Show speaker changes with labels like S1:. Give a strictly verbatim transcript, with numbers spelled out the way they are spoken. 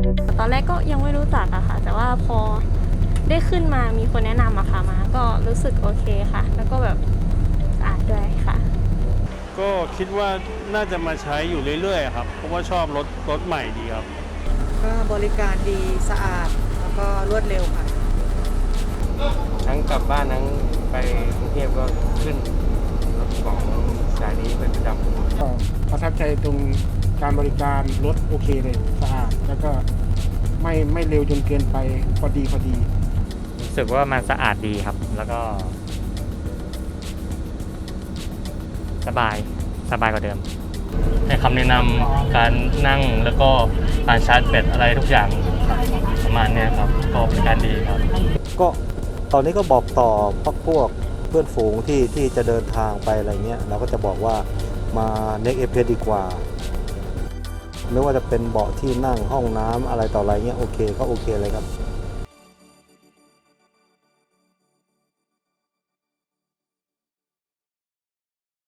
S1: ตอนแรกก็ยังไม่รู้จักอะค่ะแต่ว่าพอได้ขึ้นมามีคนแนะนำอะค่ะมาก็รู้สึกโอเคค่ะแล้วก็แบบสะอาดด้วยค่ะ
S2: ก็คิดว่าน่าจะมาใช้อยู่เรื่อยๆครับเพราะว่าชอบรถรถใหม่ดีครับ
S3: ก็บริการดีสะอาดแล้วก็รวดเร็วค่ะ
S4: ทั้งกลับบ้านทั้งไปกรุงเทพก็ขึ้นรถของสายนี้เป็นประจำ
S5: ก็ประทับใจตรงการบริการรถโอเคเลยสะอาดแล้วก็ไม่ไม่เร็วจนเกินไปพอดีพอดี
S6: รู้สึกว่ามันสะอาดดีครับแล้วก็สบายสบายกว่าเดิม
S7: ให้คำแนะนำการนั่งแล้วก็การชาร์จแบตอะไรทุกอย่างประมาณนี้ครับก็เป็นการดีครับ
S8: ก็ตอนนี้ก็บอกต่อพักพวกเพื่อนฝูงที่ที่จะเดินทางไปอะไรเงี้ยเราก็จะบอกว่ามา Next เอ พี เอส ดีกว่าไม่ว่าจะเป็นเบาะที่นั่งห้องน้ำอะไรต่ออะไรเงี้ยโอเคก็โอเคเลยครับ